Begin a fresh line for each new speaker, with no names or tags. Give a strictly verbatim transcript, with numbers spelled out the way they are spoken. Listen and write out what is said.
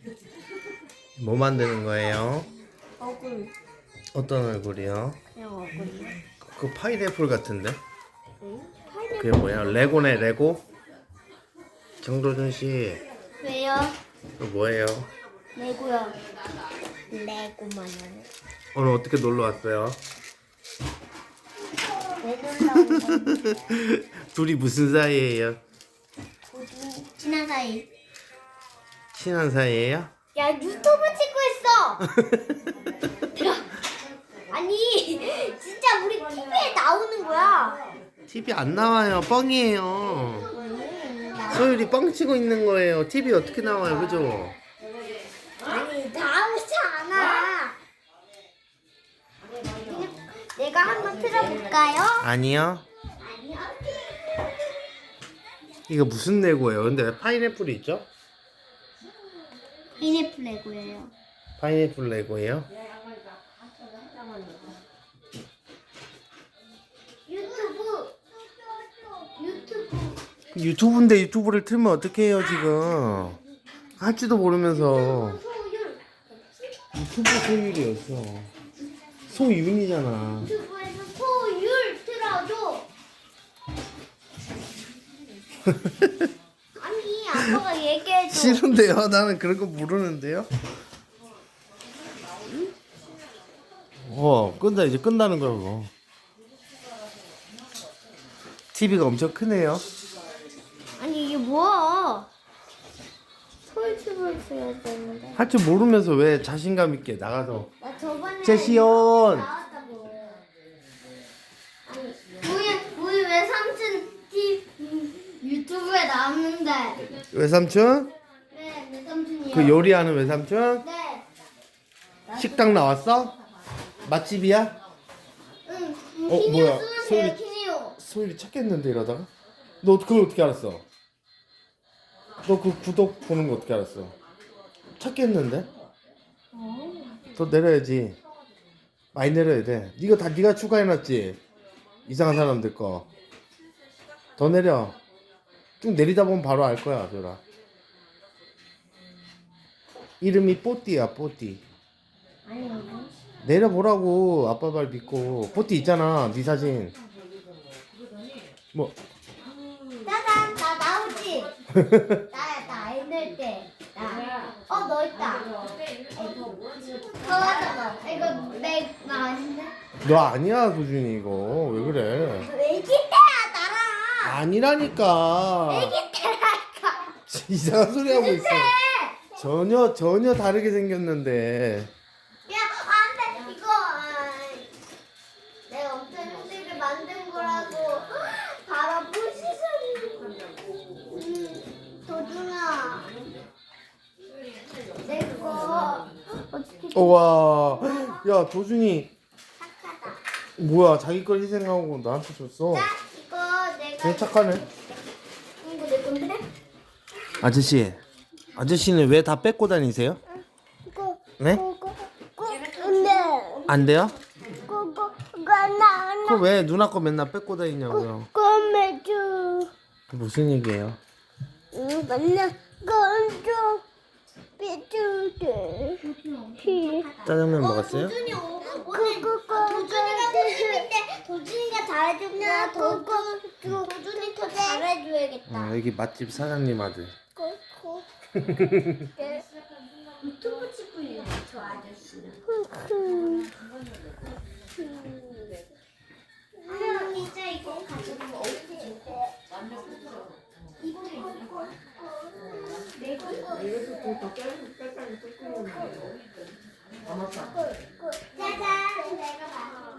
뭐 만드는 거예요?
얼굴.
어떤 얼굴이요?
그냥 얼굴이요.
그 파인애플 같은데?
응? 파인애플.
그게 뭐야? 레고네, 레고? 정도준 씨,
왜요?
그 뭐예요?
레고요. 레고만 하네.
오늘 어떻게 놀러 왔어요?
왜 놀라운 건데?
둘이 무슨 사이예요?
우리 친한 사이.
친한 사이예요?
야, 유튜브 찍고 있어. 아니, 진짜 우리 티비에 나오는 거야.
티비 안 나와요. 뻥이에요. 소율이 뻥 치고 있는 거예요. 티비 어떻게 나와요, 그죠?
아니, 나오지 않아. 내가 한번 틀어볼까요?
아니요.
아니요.
이거 무슨 레고예요? 근데 왜 파인애플이 있죠?
파인애플 레고예요.
파인애플 레고예요?
유튜브. 유튜브.
유튜브인데 유튜브를 틀면 어떡해요, 지금? 할지도 모르면서.
소율.
유튜브 소율이었어. 소윤이잖아.
유튜브에서 소율 틀어줘. 아니, 아빠가 얘기해줘.
싫은데요? 나는 그런 거 모르는데요? 어, 끝나, 이제 끝나는 거야, 그거. 티비가 엄청 크네요.
아니, 이게 뭐야? 소유튜브를 써야 되는데.
할 줄 모르면서 왜 자신감 있게 나가서.
나 저번에
제시온!
나왔다고. 아니, 우리 우리 외삼촌 티 유튜브에 나왔는데.
외삼촌?
네, 외삼촌이요.
그 요리하는 외삼촌?
네.
식당 나왔어? 맛집이야?
응.
어,
키니오
뭐야?
쓰면
소율이-
돼요, 키니오.
소율이 찾겠는데 이러다가? 너 그걸 어떻게 알았어? 너 그 구독 보는 거 어떻게 알았어? 찾겠는데? 더 내려야지. 많이 내려야 돼. 이거 다 네가 추가해놨지? 이상한 사람들 거. 더 내려. 쭉 내리다 보면 바로 알 거야, 저라. 이름이 뽀띠야, 뽀띠.
아니,
내려보라고. 아빠 말 믿고. 뽀띠 있잖아, 네 사진. 뭐
짜잔, 나 나오지. 나야, 나 애들 때. 나. 어, 너 있다. 더 하자, 너. 이거 내, 나 아닌데?
너 아니야, 소준이 이거. 왜 그래?
애기 때야, 나랑.
아니라니까.
애기 때라니까.
이상한 소리 하고 있어.
때.
전혀 전혀 다르게 생겼는데.
야, 안 돼. 이거. 아, 내가 엄청 힘들게 만든 거라고. 바로 부시소리. 음, 도준아. 내 거. 어떻게
우와. 야, 도준이
착하다.
뭐야? 자기 걸 희생하고 나한테 줬어.
자, 이거 내가.
되게 착하네.
이거 내 건데?
아저씨. 아저씨는 왜 다 뺏고 다니세요?
이거.
네?
이거. 근데.
안 돼요?
그거. 그거 나.
그럼 왜 누나 거 맨날 뺏고 다니냐고요?
꼬매줘.
무슨 얘기예요?
응, 맨날 건조 삐뚤게.
짜장면 먹었어요?
도준이 오- 오늘 도준이가 선생님인데 도준이가 잘해주면 도준 도준이 더 잘해줘야겠다.
어, 여기 맛집 사장님 아들.
유튜브 찍고 있는 저 아저씨는. 진짜 이거 가지고 어떻게 줄게? 이거 짜잔, 내가 봤어.